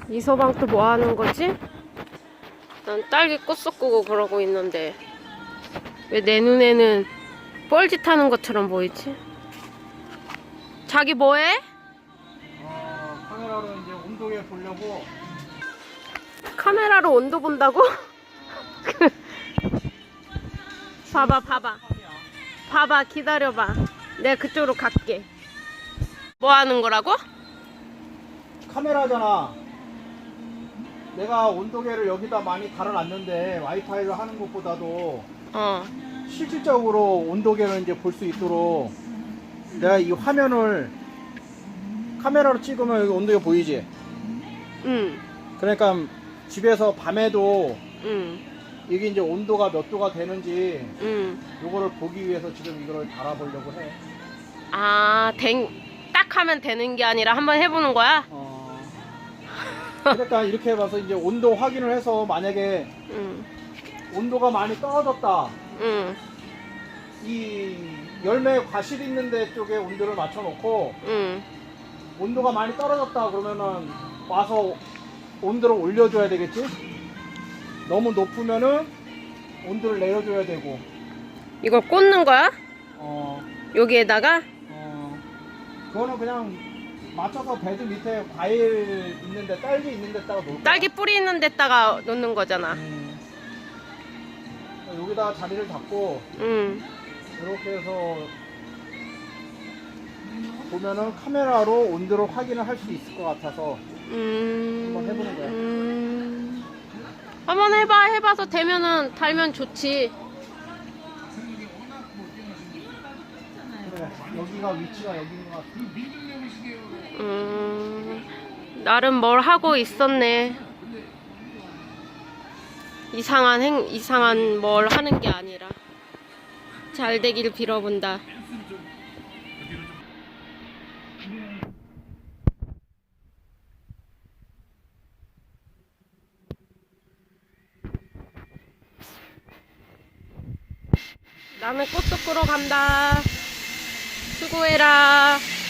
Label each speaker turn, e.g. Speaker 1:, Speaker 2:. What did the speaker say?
Speaker 1: 이서방 또 뭐 하는 거지? 난 딸기 꽃 섞고 그러고 있는데 왜 내 눈에는 뻘짓 하는 것처럼 보이지? 자기 뭐해?
Speaker 2: 카메라로 이제 온도계 보려고.
Speaker 1: 카메라로 온도 본다고? 봐봐 기다려봐. 내가 그쪽으로 갈게. 뭐 하는 거라고?
Speaker 2: 카메라잖아. 내가 온도계를 여기다 많이 달아놨는데 와이파이를 하는 것보다도 실질적으로 온도계를 이제 볼 수 있도록 내가 이 화면을 카메라로 찍으면 여기 온도계 보이지?
Speaker 1: 응.
Speaker 2: 그러니까 집에서 밤에도
Speaker 1: 응.
Speaker 2: 이게 이제 온도가 몇 도가 되는지
Speaker 1: 응.
Speaker 2: 요거를 보기 위해서 지금 이거를 달아보려고 해.
Speaker 1: 아, 딱 하면 되는 게 아니라 한번 해보는 거야?
Speaker 2: 그러니까 이렇게 해봐서 이제 온도 확인을 해서 만약에
Speaker 1: 응.
Speaker 2: 온도가 많이 떨어졌다.
Speaker 1: 응.
Speaker 2: 이 열매 과실 있는 데 쪽에 온도를 맞춰놓고
Speaker 1: 응.
Speaker 2: 온도가 많이 떨어졌다 그러면은 와서 온도를 올려줘야 되겠지? 너무 높으면은 온도를 내려줘야 되고.
Speaker 1: 이걸 꽂는 거야?
Speaker 2: 어,
Speaker 1: 여기에다가?
Speaker 2: 그거는 그냥 맞춰서 베드 밑에 과일 있는데 딸기 있는 데다가 놓을 거야.
Speaker 1: 딸기 뿌리 있는 데다가 놓는 거잖아.
Speaker 2: 여기다 자리를 잡고
Speaker 1: 응.
Speaker 2: 이렇게 해서 보면은 카메라로 온도를 확인을 할 수 있을 것 같아서 한번 해보는 거야.
Speaker 1: 한번 해봐서 되면은 달면 좋지.
Speaker 2: 그래, 여기가 위치가 여기인 것 같아.
Speaker 1: 나름 뭘 하고 있었네. 이상한 뭘 하는 게 아니라 잘 되길 빌어본다. 나는 꽃 supp으러 간다. 수고해라.